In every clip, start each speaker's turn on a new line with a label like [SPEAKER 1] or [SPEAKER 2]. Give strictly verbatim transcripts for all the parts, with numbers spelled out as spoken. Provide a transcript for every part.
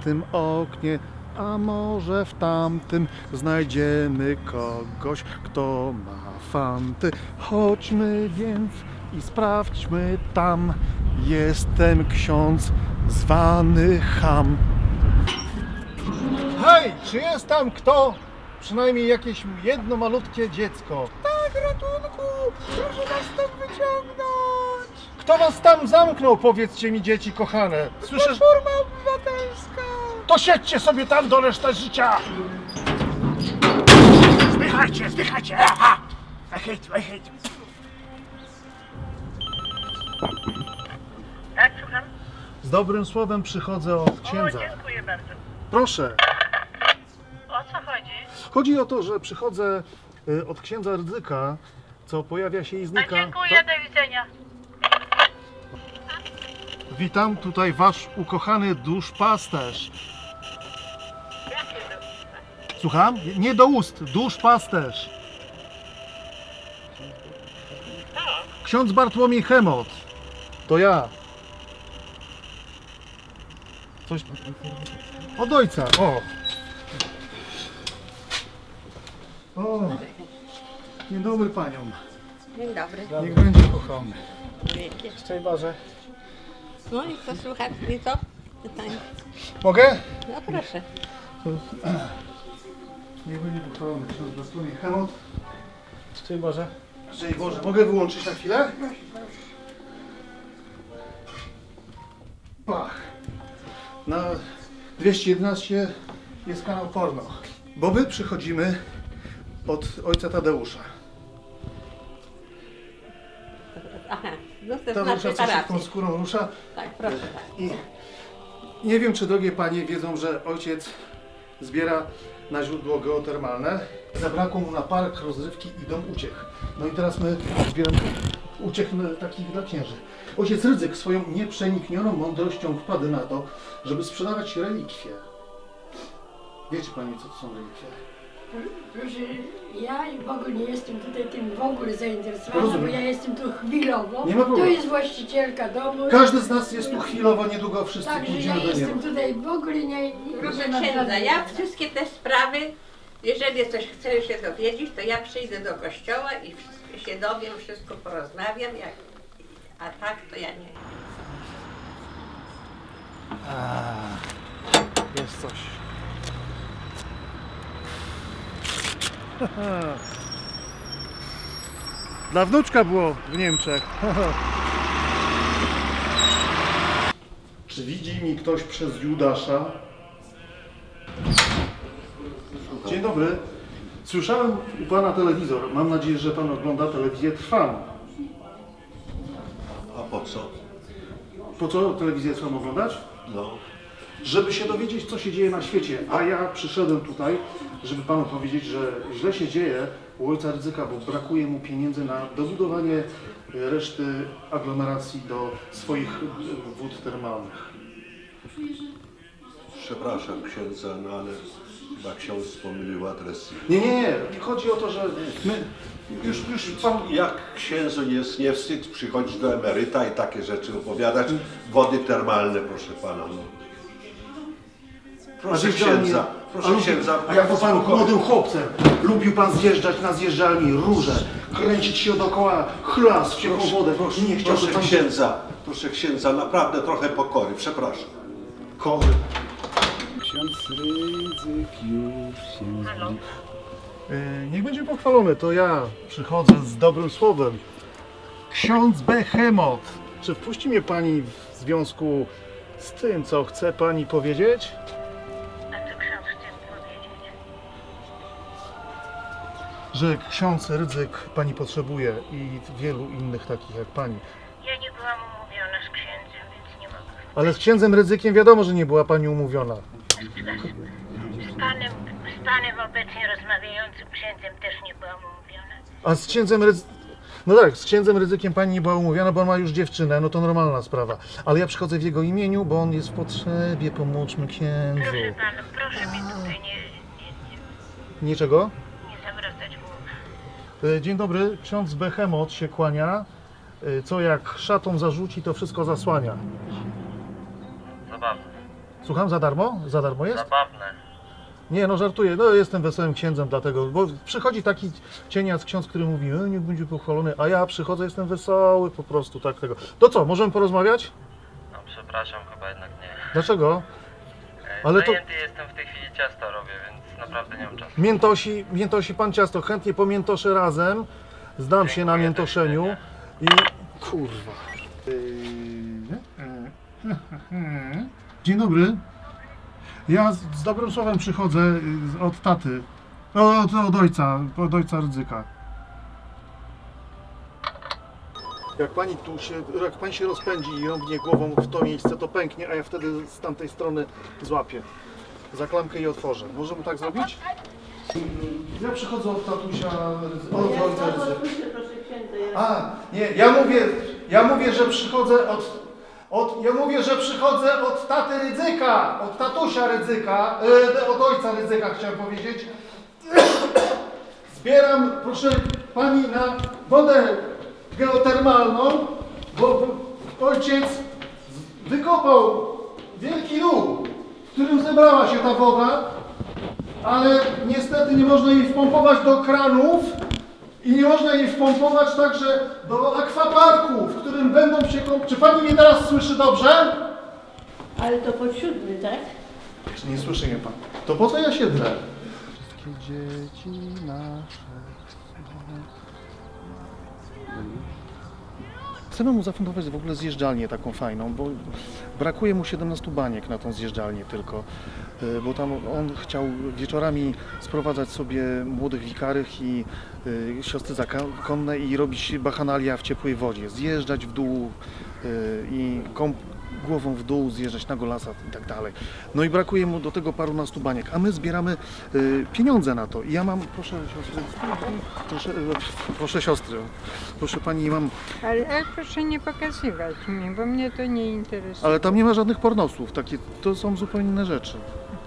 [SPEAKER 1] tym oknie, a może w tamtym znajdziemy kogoś, kto ma fanty. Chodźmy więc i sprawdźmy tam. Jestem ksiądz zwany Cham. Hej, czy jest tam kto? Przynajmniej jakieś jedno malutkie dziecko. Tak, ratunku! Proszę nas stąd wyciągnąć! Kto was tam zamknął, powiedzcie mi, dzieci kochane? Słyszysz? Platforma Obywatelska! To siedźcie sobie tam do reszty życia!
[SPEAKER 2] Zdychajcie, zdychajcie! Aha! Wejść, wejść. Tak, słucham?
[SPEAKER 1] Z dobrym słowem przychodzę od księdza.
[SPEAKER 2] O, dziękuję bardzo.
[SPEAKER 1] Proszę.
[SPEAKER 2] O co chodzi?
[SPEAKER 1] Chodzi o to, że przychodzę y, od księdza Rydzyka, co pojawia się i
[SPEAKER 2] A
[SPEAKER 1] znika.
[SPEAKER 2] dziękuję,
[SPEAKER 1] To-
[SPEAKER 2] do widzenia.
[SPEAKER 1] Witam, tutaj wasz ukochany duszpasterz.
[SPEAKER 2] Jakie do...
[SPEAKER 1] Słucham? Nie do ust, duszpasterz. Ksiądz Bartłomiej Chemot. To ja. Coś... Od ojca, o. O. Dzień dobry paniom.
[SPEAKER 3] Dzień dobry.
[SPEAKER 1] Niech będzie kochany.
[SPEAKER 3] Wielkie.
[SPEAKER 1] Szczęść Boże.
[SPEAKER 3] No i co słuchać? I co? Pytanie.
[SPEAKER 1] Mogę?
[SPEAKER 3] No proszę.
[SPEAKER 1] Niech będzie pochwalony ksiądz Bartłomiej Chemot. Szczęść Boże. Szczęść Boże. Mogę wyłączyć na chwilę? Pach. Na dwieście jedenaście jest kanał porno. Bo my przychodzimy od ojca Tadeusza.
[SPEAKER 3] Aha, no to
[SPEAKER 1] Ta
[SPEAKER 3] znaczy
[SPEAKER 1] rusza, co
[SPEAKER 3] parafii.
[SPEAKER 1] szybką skórą rusza.
[SPEAKER 3] Tak, proszę tak.
[SPEAKER 1] I nie wiem, czy drogie panie wiedzą, że ojciec zbiera na źródło geotermalne. Zabrakło mu na park, rozrywki i dom uciech. No i teraz my zbieramy uciech takich dla księży. Ojciec Rydzyk swoją nieprzeniknioną mądrością wpadł na to, żeby sprzedawać relikwie. Wiecie pani, co to są relikwie?
[SPEAKER 4] Proszę, ja w ogóle nie jestem tutaj tym w ogóle zainteresowana,
[SPEAKER 1] Rozumiem.
[SPEAKER 4] bo ja jestem tu chwilowo.
[SPEAKER 1] Nie ma
[SPEAKER 4] To
[SPEAKER 1] problemu.
[SPEAKER 4] jest właścicielka domu.
[SPEAKER 1] Każdy z nas jest tu chwilowo, niedługo wszyscy
[SPEAKER 4] Także ja
[SPEAKER 1] pójdziemy do
[SPEAKER 4] jestem
[SPEAKER 1] nieba.
[SPEAKER 4] tutaj w ogóle nie... nie
[SPEAKER 3] Proszę
[SPEAKER 4] nie mam
[SPEAKER 3] księdza,
[SPEAKER 4] żadnej-
[SPEAKER 3] ja wszystkie te sprawy, jeżeli coś chcę się dowiedzieć, to ja przyjdę do kościoła i wszystko się dowiem, wszystko porozmawiam, jak... a tak to ja nie.
[SPEAKER 1] Jest coś. Dla wnuczka było w Niemczech. Czy widzi mi ktoś przez Judasza? Dzień dobry. Słyszałem u pana telewizor. Mam nadzieję, że pan ogląda telewizję Trwam.
[SPEAKER 5] A po co?
[SPEAKER 1] Po co telewizję Trwam oglądać?
[SPEAKER 5] No,
[SPEAKER 1] Żeby się dowiedzieć, co się dzieje na świecie. A ja przyszedłem tutaj, żeby panu powiedzieć, że źle się dzieje u ojca Rydzyka, bo brakuje mu pieniędzy na dobudowanie reszty aglomeracji do swoich e, wód termalnych.
[SPEAKER 5] przepraszam księdza, no ale chyba ksiądz pomylił adres.
[SPEAKER 1] Nie, nie, nie. Chodzi o to, że my już, już pan...
[SPEAKER 5] Jak księdzu jest nie wstyd przychodzić do emeryta i takie rzeczy opowiadać? Wody termalne, proszę pana. No. Proszę
[SPEAKER 1] zjeżdżalni-
[SPEAKER 5] księdza,
[SPEAKER 1] a
[SPEAKER 5] proszę
[SPEAKER 1] lubi-
[SPEAKER 5] księdza.
[SPEAKER 1] A jako pan
[SPEAKER 5] spokojnie.
[SPEAKER 1] młodym chłopcem lubił pan zjeżdżać na zjeżdżalni róże, kręcić się dookoła, chlas w ciepłą wodę.
[SPEAKER 5] Proszę,
[SPEAKER 1] Nie chciałby
[SPEAKER 5] proszę
[SPEAKER 1] pan
[SPEAKER 5] księdza, proszę księdza, naprawdę trochę pokory, przepraszam.
[SPEAKER 1] kory.
[SPEAKER 6] Ksiądz Rydzyk już się
[SPEAKER 2] Halo?
[SPEAKER 1] Yy, niech będzie pochwalony, to ja przychodzę z dobrym słowem. Ksiądz Behemot, czy wpuści mnie pani w związku z tym, co chce pani powiedzieć?
[SPEAKER 2] A co ksiądz chce mi powiedzieć?
[SPEAKER 1] Że ksiądz Rydzyk pani potrzebuje i wielu innych takich jak pani.
[SPEAKER 2] Ja nie byłam umówiona z księdzem, więc nie mogę.
[SPEAKER 1] Ale z księdzem Rydzykiem wiadomo, że nie była pani umówiona.
[SPEAKER 2] Z panem, z panem obecnie rozmawiającym księdzem też nie byłam umówiona.
[SPEAKER 1] A z księdzem Rydzykiem... No tak, z księdzem Rydzykiem pani nie była umówiona, bo on ma już dziewczynę, no to normalna sprawa. Ale ja przychodzę w jego imieniu, bo on jest w potrzebie, pomóżmy księdzu.
[SPEAKER 2] Proszę pana, proszę mi tutaj nie, nie, nie,
[SPEAKER 1] Niczego?
[SPEAKER 2] nie zawracać głowy.
[SPEAKER 1] E, Dzień dobry, ksiądz Behemot się kłania. E, Co jak szatą zarzuci, to wszystko zasłania.
[SPEAKER 7] Zabawne.
[SPEAKER 1] Słucham, za darmo? Za darmo jest?
[SPEAKER 7] Zabawne.
[SPEAKER 1] Nie, no żartuję, no jestem wesołym księdzem dlatego, bo przychodzi taki cieniac ksiądz, który mówi, e, niech będzie pochwalony, a ja przychodzę, jestem wesoły po prostu, tak tego. To co, możemy porozmawiać?
[SPEAKER 7] No przepraszam, chyba jednak nie.
[SPEAKER 1] Dlaczego?
[SPEAKER 7] E,
[SPEAKER 1] Ale to-
[SPEAKER 7] Zajęty jestem w tej chwili, ciasto robię, więc naprawdę nie mam czasu.
[SPEAKER 1] Miętosi, miętosi pan ciasto, chętnie pomiętoszę razem, zdam się na
[SPEAKER 7] Dziękuję, do
[SPEAKER 1] miętoszeniu i...
[SPEAKER 7] widzenia.
[SPEAKER 1] Kurwa. Dzień dobry. Ja z, z dobrym słowem przychodzę y, z- od taty. O, Od, od ojca, od ojca Rydzyka. Jak pani tu się, jak pani się rozpędzi i rąbnie głową w to miejsce, to pęknie, a ja wtedy z tamtej strony złapię. Za klamkę i otworzę. Możemy tak zrobić? Ja przychodzę od tatusia, Rydzy- od ojca Rydzyka. A, nie, ja mówię, ja mówię, że przychodzę od, od, ja mówię, że przychodzę od taty Rydzyka, od tatusia Rydzyka, e, od ojca Rydzyka chciałem powiedzieć. Zbieram, proszę pani, na wodę geotermalną, bo ojciec wykopał wielki dół, w którym zebrała się ta woda, ale niestety nie można jej wpompować do kranów i nie można jej wpompować także do akwaparku, w którym będą się kąpać. Czy pani mnie teraz słyszy dobrze?
[SPEAKER 3] Ale to pod siódmy, tak?
[SPEAKER 1] Nie słyszy mnie pan. To po co ja się drę? Wszystkie dzieci nasze. Chcemy mu zafundować w ogóle zjeżdżalnię taką fajną, bo brakuje mu siedemnastu baniek na tą zjeżdżalnię tylko, y, bo tam on chciał wieczorami sprowadzać sobie młodych wikarych i y, siostry zakonne i robić bachanalia w ciepłej wodzie, zjeżdżać w dół y, i kąp głową w dół, zjeżdżać na golasa i tak dalej. No i brakuje mu do tego parunastu baniek, a my zbieramy y, pieniądze na to. I ja mam, proszę siostry, proszę, y, proszę siostry, proszę pani, mam,
[SPEAKER 8] Ale, ale proszę nie pokazywać mi, bo mnie to nie interesuje.
[SPEAKER 1] ale tam nie ma żadnych pornosłów, takie, to są zupełnie inne rzeczy.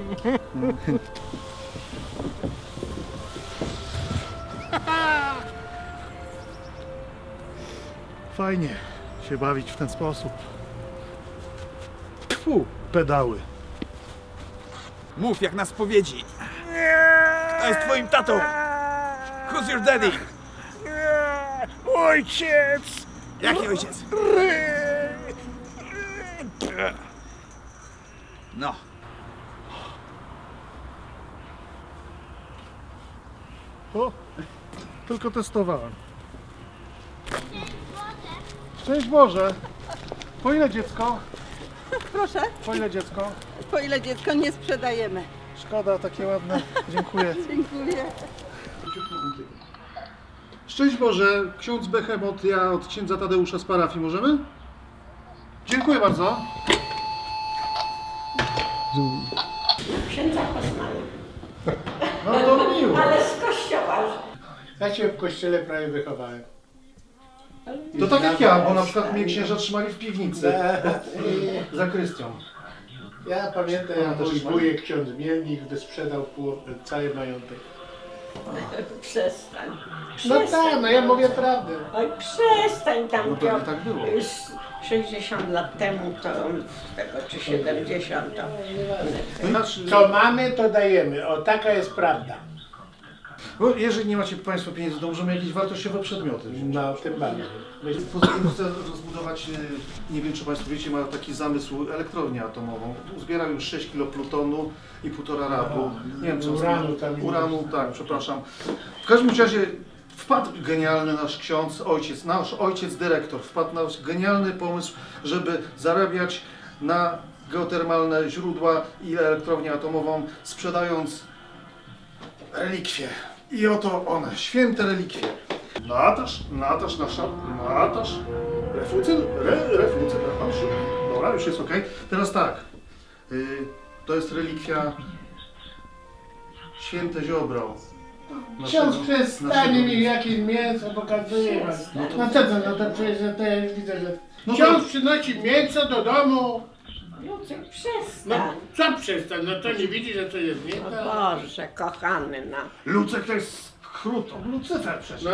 [SPEAKER 1] Fajnie się bawić w ten sposób. Tfu, pedały.
[SPEAKER 6] Mów jak na spowiedzi. To jest twoim tatą. Who's your daddy?
[SPEAKER 1] Ojciec!
[SPEAKER 6] Jaki ojciec? No.
[SPEAKER 1] O, tylko testowałem. Szczęść Boże! Po ile dziecko?
[SPEAKER 9] Proszę,
[SPEAKER 1] Po ile dziecko?
[SPEAKER 9] po ile dziecko nie sprzedajemy.
[SPEAKER 1] Szkoda, takie ładne. Dziękuję.
[SPEAKER 9] Dziękuję.
[SPEAKER 1] Szczęść Boże, ksiądz Behemot, ja od księdza Tadeusza z parafii, możemy? Dziękuję bardzo.
[SPEAKER 3] Księdza poznałem.
[SPEAKER 1] No to miło.
[SPEAKER 3] Ale z kościoła.
[SPEAKER 10] Ja się w kościele prawie wychowałem.
[SPEAKER 1] To tak jak ja, bo na przykład mnie księża trzymali w piwnicy
[SPEAKER 10] I
[SPEAKER 1] za Krystią.
[SPEAKER 10] ja pamiętam,
[SPEAKER 1] Ja
[SPEAKER 10] jak
[SPEAKER 1] też
[SPEAKER 10] mój
[SPEAKER 1] mam.
[SPEAKER 10] wujek, ksiądz Mielnik, wysprzedał pół, cały majątek.
[SPEAKER 3] Przestań.
[SPEAKER 10] No tak, no ja mówię prawdę.
[SPEAKER 3] Oj, przestań tam.
[SPEAKER 1] No pewnie tak było.
[SPEAKER 3] Już sześćdziesiąt lat temu to z tego, czy siedemdziesiąt to.
[SPEAKER 1] Znaczy,
[SPEAKER 10] Co mamy, to dajemy. O, taka jest prawda.
[SPEAKER 1] bo jeżeli nie macie Państwo pieniędzy, to możemy jakieś wartościowe przedmioty wziąć.
[SPEAKER 10] No, tym bardziej.
[SPEAKER 1] Poza tym chcę rozbudować, e, nie wiem czy Państwo wiecie, ma taki zamysł elektrownię atomową. Zbiera już sześć kilo plutonu i półtora rabu. Nie wiem co
[SPEAKER 10] Uranu tam
[SPEAKER 1] Uranu, tak, przepraszam. W każdym razie wpadł genialny nasz ksiądz, ojciec, nasz ojciec dyrektor, wpadł na genialny pomysł, żeby zarabiać na geotermalne źródła i elektrownię atomową, sprzedając relikwie. I oto one, święte relikwie. Natasz, Natasz, nasza, Natasz, refucyl, re, refucyl, Natasz. Dobra, już jest ok. Teraz tak, y, to jest relikwia święte ziobro.
[SPEAKER 10] Ksiądz
[SPEAKER 1] naszego-
[SPEAKER 10] przestanie
[SPEAKER 1] naszego-
[SPEAKER 10] mi jakieś mięso, pokazuje was.
[SPEAKER 1] No to-
[SPEAKER 10] No co to, no to przecież to ja już widzę, że
[SPEAKER 1] No to-
[SPEAKER 10] ksiądz przynosi mięso do domu.
[SPEAKER 3] Lucek,
[SPEAKER 10] No
[SPEAKER 3] przestań.
[SPEAKER 10] co przestań, no to nie widzi, że to jest nie
[SPEAKER 3] O
[SPEAKER 10] tak.
[SPEAKER 3] Boże, kochany, no.
[SPEAKER 1] Lucek to jest Chruto, Lucyfer przecież.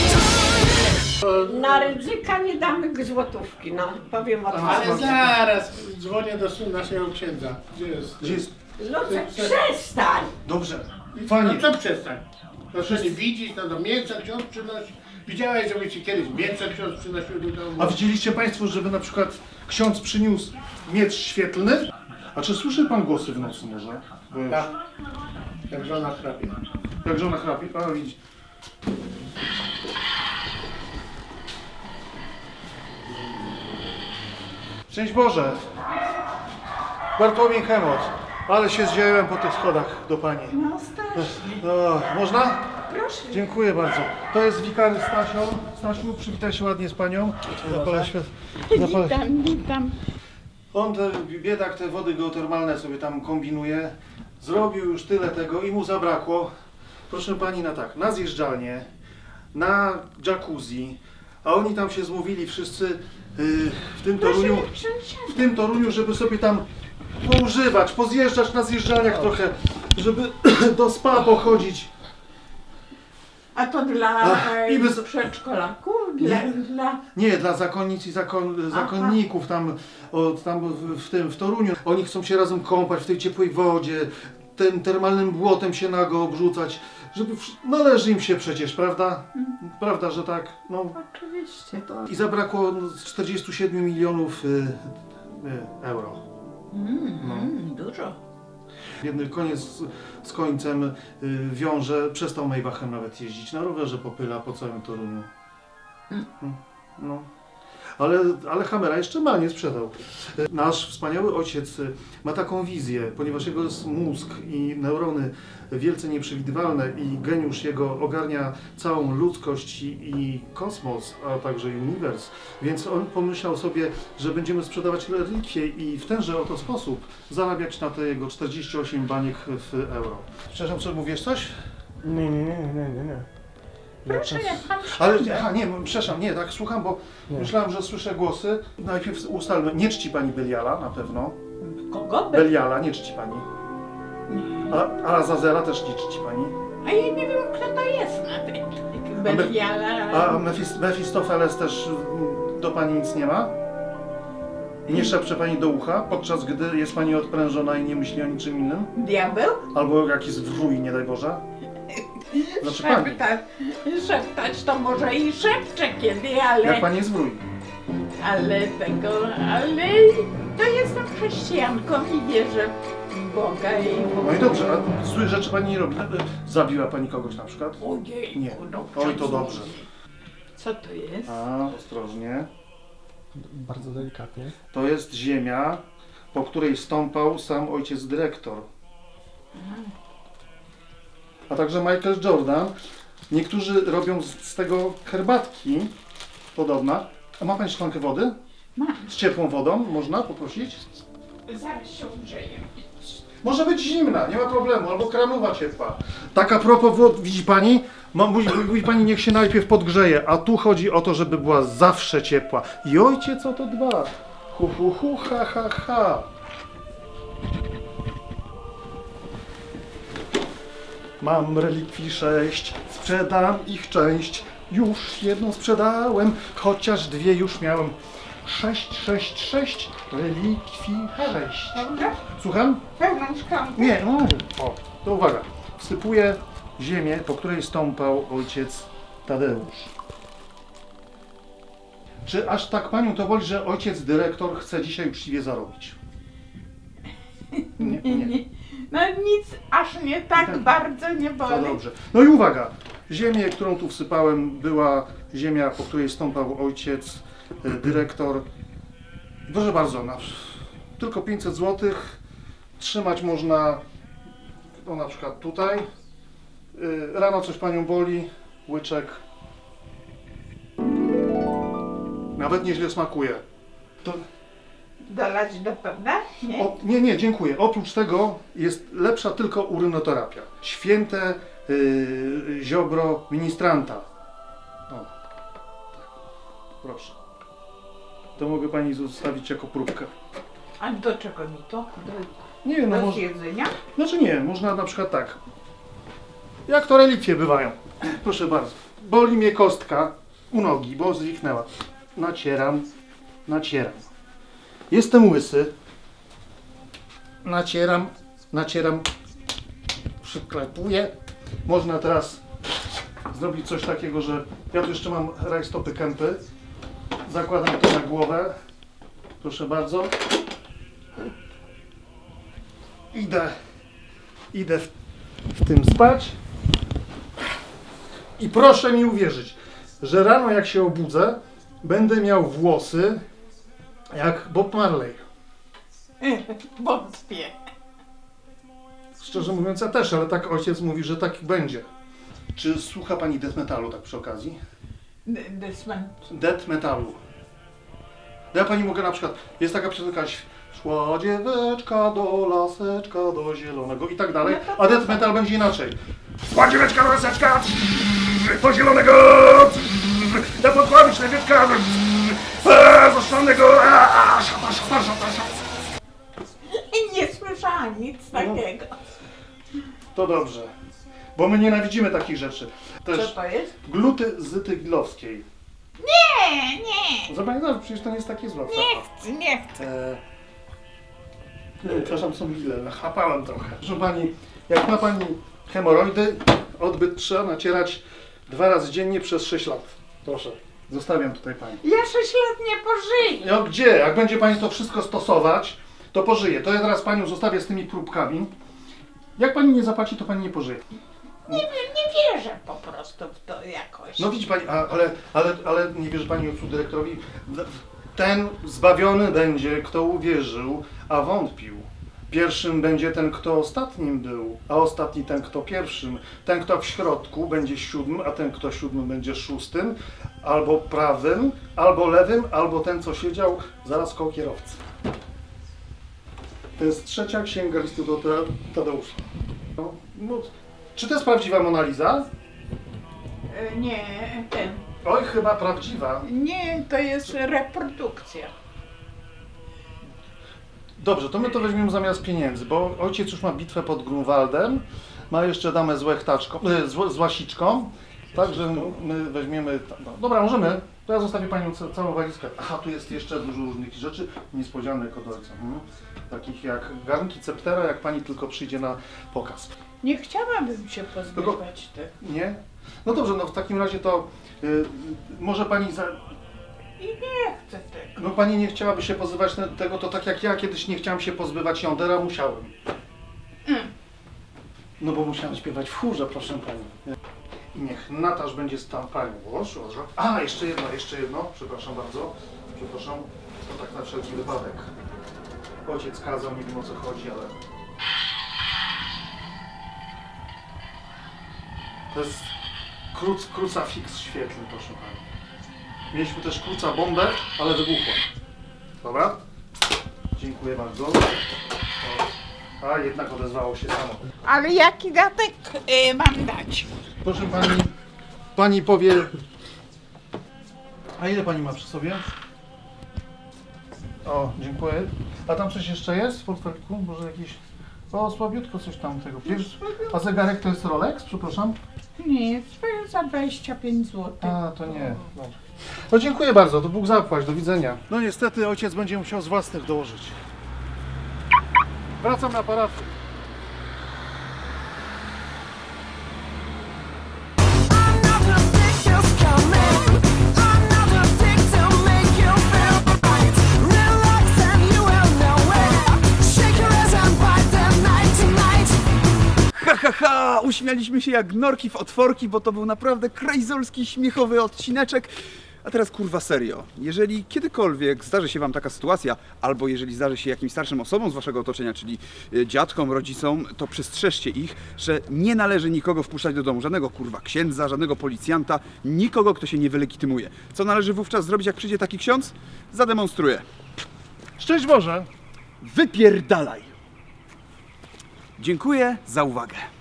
[SPEAKER 10] No,
[SPEAKER 3] Na Rydzyka nie damy złotówki, no powiem otwarcie.
[SPEAKER 10] ale zaraz dzwonię do syna naszego księdza. Gdzie jest?
[SPEAKER 1] Gdzie jest?
[SPEAKER 3] Lucek, przestań!
[SPEAKER 1] Dobrze.
[SPEAKER 10] No
[SPEAKER 1] Fajnie.
[SPEAKER 10] co przestań? Proszę nie widzieć, no do mięsa ksiądz przynosi. Widziałeś, żeby ci kiedyś mięsa ksiądz przynosił do domu?
[SPEAKER 1] A widzieliście Państwo, żeby na przykład ksiądz przyniósł miecz świetlny? A czy słyszy Pan głosy w nocy może? Bo już-
[SPEAKER 10] Tak. Jak żona chrapie.
[SPEAKER 1] Jak żona chrapie? A widzi. Szczęść Boże! Bartłomiej Chemot, ale się zdziałem po tych schodach do Pani.
[SPEAKER 3] No strasznie.
[SPEAKER 1] No, można?
[SPEAKER 3] Proszę.
[SPEAKER 1] Dziękuję bardzo. To jest wikary Stasio. Stasiu, przywitaj się ładnie z Panią. Zapala świat. Zapala...
[SPEAKER 3] Witam, witam.
[SPEAKER 1] On, te, biedak, te wody geotermalne sobie tam kombinuje. Zrobił już tyle tego i mu zabrakło. Proszę Pani, na tak, na zjeżdżalnię, na jacuzzi, a oni tam się zmówili wszyscy yy, w tym Toruniu, w tym Toruniu, żeby sobie tam poużywać, pozjeżdżać na zjeżdżalniach trochę, żeby do spa pochodzić.
[SPEAKER 3] A to dla
[SPEAKER 1] Ach,
[SPEAKER 3] e,
[SPEAKER 1] i bez-
[SPEAKER 3] przedszkolaków? Dla,
[SPEAKER 1] Nie.
[SPEAKER 3] dla...
[SPEAKER 1] Nie, dla zakonnic i zakon, zakonników tam, o, tam w, w tym w Toruniu. Oni chcą się razem kąpać w tej ciepłej wodzie, tym termalnym błotem się nago obrzucać, żeby wsz- należy im się przecież, prawda? Prawda, że tak? No.
[SPEAKER 3] Oczywiście.
[SPEAKER 1] I zabrakło no, z czterdziestu siedmiu milionów y, y, euro.
[SPEAKER 3] Mm,
[SPEAKER 1] No.
[SPEAKER 3] mm, dużo.
[SPEAKER 1] Biedny koniec z, z końcem y, wiąże, przestał Maybachem nawet jeździć, na rowerze popyla po całym Toruniu.
[SPEAKER 3] Mm.
[SPEAKER 1] No. Ale, ale Hammera jeszcze ma, nie sprzedał. Y, Nasz wspaniały ojciec y, ma taką wizję, ponieważ jego jest mózg i neurony wielce nieprzewidywalne i geniusz jego ogarnia całą ludzkość i, i kosmos, a także uniwers. Więc on pomyślał sobie, że będziemy sprzedawać relikwie i w tenże oto sposób zarabiać na te jego czterdzieści osiem baniek w euro. Przepraszam, co mówisz coś? Nie, nie, nie, nie, nie, nie.
[SPEAKER 3] Proszę, jak pan
[SPEAKER 1] Ale, aha, nie, przepraszam, nie, tak słucham, bo myślałem, że słyszę głosy. Najpierw ustalmy, nie czci pani Beliala na pewno.
[SPEAKER 3] Kogo? Be...
[SPEAKER 1] Beliala nie czci pani. A, a Azazela też nie czci pani.
[SPEAKER 3] A ja nie wiem, kto to jest nawet. Beliala.
[SPEAKER 1] A Mefis, Mefistofeles też mm, do pani nic nie ma? Nie szepcze pani do ucha, podczas gdy jest pani odprężona i nie myśli o niczym innym?
[SPEAKER 3] Diabeł?
[SPEAKER 1] Albo jakiś wrój, nie daj Boże? Znaczy pani.
[SPEAKER 3] Szeptać, szeptać to może i szepcze kiedy, ale...
[SPEAKER 1] Jak pani jest wrój?
[SPEAKER 3] Ale tego, ale to jestem chrześcijanką i wierzę w Boga i w
[SPEAKER 1] No i dobrze, a złych rzeczy pani nie robi. Zabiła pani kogoś na przykład?
[SPEAKER 3] Ojej,
[SPEAKER 1] Nie.
[SPEAKER 3] no
[SPEAKER 1] Oj, to
[SPEAKER 3] przecież-
[SPEAKER 1] dobrze.
[SPEAKER 3] Co to jest?
[SPEAKER 1] A, ostrożnie.
[SPEAKER 10] Bardzo delikatnie.
[SPEAKER 1] To jest ziemia, po której stąpał sam ojciec dyrektor. A także Michael Jordan. Niektórzy robią z, z tego herbatki, podobna. A ma pani szklankę wody?
[SPEAKER 3] Mam.
[SPEAKER 1] Z ciepłą wodą można poprosić?
[SPEAKER 3] Zaraz się ugrzeję.
[SPEAKER 1] Może być zimna, nie ma problemu, albo kranowa ciepła. Tak a propos wód, widzi pani? Ma- Mówi, mówi pani, niech się najpierw podgrzeje, a tu chodzi o to, żeby była zawsze ciepła. I ojciec o to dba. Hu, hu, hu, ha, ha, ha. Mam relikwii sześć, sprzedam ich część. Już jedną sprzedałem, chociaż dwie już miałem. Sześć, sześć, sześć, relikwii sześć.
[SPEAKER 3] Dobrze?
[SPEAKER 1] Słucham?
[SPEAKER 3] Pełną szklankę?
[SPEAKER 1] Nie, no, o, to uwaga. Wsypuję ziemię, po której stąpał ojciec Tadeusz. Czy aż tak panią to boli, że ojciec dyrektor chce dzisiaj uczciwie zarobić? Nie, nie.
[SPEAKER 3] No nic aż nie tak
[SPEAKER 1] Tak.
[SPEAKER 3] bardzo nie
[SPEAKER 1] To
[SPEAKER 3] boli.
[SPEAKER 1] dobrze. No i uwaga. Ziemię, którą tu wsypałem, była ziemia, po której stąpał ojciec e, dyrektor. Proszę bardzo, na, tylko pięćset złotych. Trzymać można, no na przykład tutaj. Y, Rano coś panią boli, łyczek. Nawet nieźle smakuje. To,
[SPEAKER 3] Dolać do pełna? Nie?
[SPEAKER 1] o, nie, nie, dziękuję. Oprócz tego jest lepsza tylko urynoterapia. Święte y, ziobro ministranta. O, tak. Proszę. To mogę pani zostawić jako próbkę.
[SPEAKER 3] A do czego mi to? Do,
[SPEAKER 1] Nie wiem, no
[SPEAKER 3] do
[SPEAKER 1] może...
[SPEAKER 3] jedzenia?
[SPEAKER 1] Znaczy nie, można na przykład tak. Jak to relikwie bywają. Proszę bardzo. Boli mnie kostka u nogi, bo zwiknęła. Nacieram, nacieram. Jestem łysy. Nacieram, nacieram. Przyklepuję. Można teraz zrobić coś takiego, że ja tu jeszcze mam rajstopy kępy. Zakładam to na głowę. Proszę bardzo. Idę, idę w, w tym spać. I proszę mi uwierzyć, że rano jak się obudzę, będę miał włosy jak Bob Marley.
[SPEAKER 3] Wątpię.
[SPEAKER 1] Szczerze mówiąc ja też, ale tak ojciec mówi, że tak będzie. Czy słucha pani death metalu tak przy okazji?
[SPEAKER 3] Desman.
[SPEAKER 1] Death metalu. Ja pani mogę na przykład, jest taka piosenka, szła dzieweczka do laseczka, do zielonego i tak dalej, a death metal będzie inaczej. Szła dzieweczka do laseczka, do zielonego, na podkławić lewieczka, zaszczonego, szata, szata, szata, szata.
[SPEAKER 3] Nie słyszałam nic takiego.
[SPEAKER 1] To dobrze, bo my nienawidzimy takich rzeczy. Też
[SPEAKER 3] Co to jest?
[SPEAKER 1] gluty zytyglowskiej.
[SPEAKER 3] Nie, nie.
[SPEAKER 1] Zobacz, no, przecież to nie jest takie złe.
[SPEAKER 3] Nie chcę, nie chcę.
[SPEAKER 1] E... Przepraszam, są ile, nachapałem trochę. Proszę pani, jak ma pani hemoroidy, odbyt trzeba nacierać dwa razy dziennie przez sześć lat. Proszę, zostawiam tutaj pani.
[SPEAKER 3] Ja sześć lat nie pożyję.
[SPEAKER 1] No gdzie? Jak będzie pani to wszystko stosować, to pożyje. To ja teraz panią zostawię z tymi próbkami. Jak pani nie zapłaci, to pani nie pożyje.
[SPEAKER 3] Nie wiem, nie wierzę po prostu w to jakoś.
[SPEAKER 1] No widzi pani, a, ale, ale, ale nie wierzy pani ojcu dyrektorowi? Ten zbawiony będzie, kto uwierzył, a wątpił. Pierwszym będzie ten, kto ostatnim był, a ostatni ten, kto pierwszym. Ten, kto w środku, będzie siódmym, a ten, kto siódmym, będzie szóstym, albo prawym, albo lewym, albo ten, co siedział zaraz koło kierowcy. To jest trzecia księga listu do Tadeusza. No, no, czy to jest prawdziwa Mona Lisa?
[SPEAKER 3] Nie, ten.
[SPEAKER 1] Oj, chyba prawdziwa.
[SPEAKER 3] Nie, to jest reprodukcja.
[SPEAKER 1] Dobrze, to my to weźmiemy zamiast pieniędzy, bo ojciec już ma bitwę pod Grunwaldem, ma jeszcze damę z łechtaczką, e, z, z łasiczką, także my weźmiemy... No, dobra, możemy. To ja zostawię panią ca całą walizkę. Aha, tu jest jeszcze dużo różnych rzeczy niespodzianek od ojca. Hmm? Takich jak garnki Ceptera, jak pani tylko przyjdzie na pokaz.
[SPEAKER 3] Nie chciałabym się pozbywać tego.
[SPEAKER 1] Nie? No dobrze, no w takim razie to y, może pani za...
[SPEAKER 3] I nie chcę tego.
[SPEAKER 1] No pani nie chciałaby się pozbywać te, tego, to tak jak ja kiedyś nie chciałam się pozbywać jąder, a musiałem.
[SPEAKER 3] Mm.
[SPEAKER 1] No bo musiałem śpiewać w chórze, proszę pani. I niech Natasz będzie z tam panią. Boże, Boże. A, jeszcze jedno, jeszcze jedno, przepraszam bardzo. Przepraszam, to tak na wszelki wypadek. Ojciec kazał, nie wiem o co chodzi, ale... To jest kruc, krucafix świetlny, proszę pani. Mieliśmy też kruca bombę, ale wybuchła. Dobra? Dziękuję bardzo. O. A, jednak odezwało się samo.
[SPEAKER 3] Ale jaki datek y, mam dać?
[SPEAKER 1] Proszę pani, pani powie... A ile pani ma przy sobie? O, dziękuję. A tam coś jeszcze jest w portfeliku? Może jakiś... O, słabiutko coś tam tego. Wiesz, a zegarek to jest Rolex? Przepraszam.
[SPEAKER 3] Nie, za dwadzieścia pięć złotych.
[SPEAKER 1] A, to nie. Dobrze. No dziękuję bardzo, to Bóg zapłać, do widzenia. No niestety ojciec będzie musiał z własnych dołożyć. Wracam na parafy.
[SPEAKER 6] Ha, ha, ha! Uśmialiśmy się jak norki w otworki, bo to był naprawdę krajzolski, śmiechowy odcineczek. A teraz kurwa serio, jeżeli kiedykolwiek zdarzy się wam taka sytuacja, albo jeżeli zdarzy się jakimś starszym osobom z waszego otoczenia, czyli y, dziadkom, rodzicom, to przestrzeżcie ich, że nie należy nikogo wpuszczać do domu, żadnego kurwa księdza, żadnego policjanta, nikogo, kto się nie wylegitymuje. Co należy wówczas zrobić, jak przyjdzie taki ksiądz? Zademonstruję.
[SPEAKER 1] Szczęść Boże!
[SPEAKER 6] Wypierdalaj! Dziękuję za uwagę.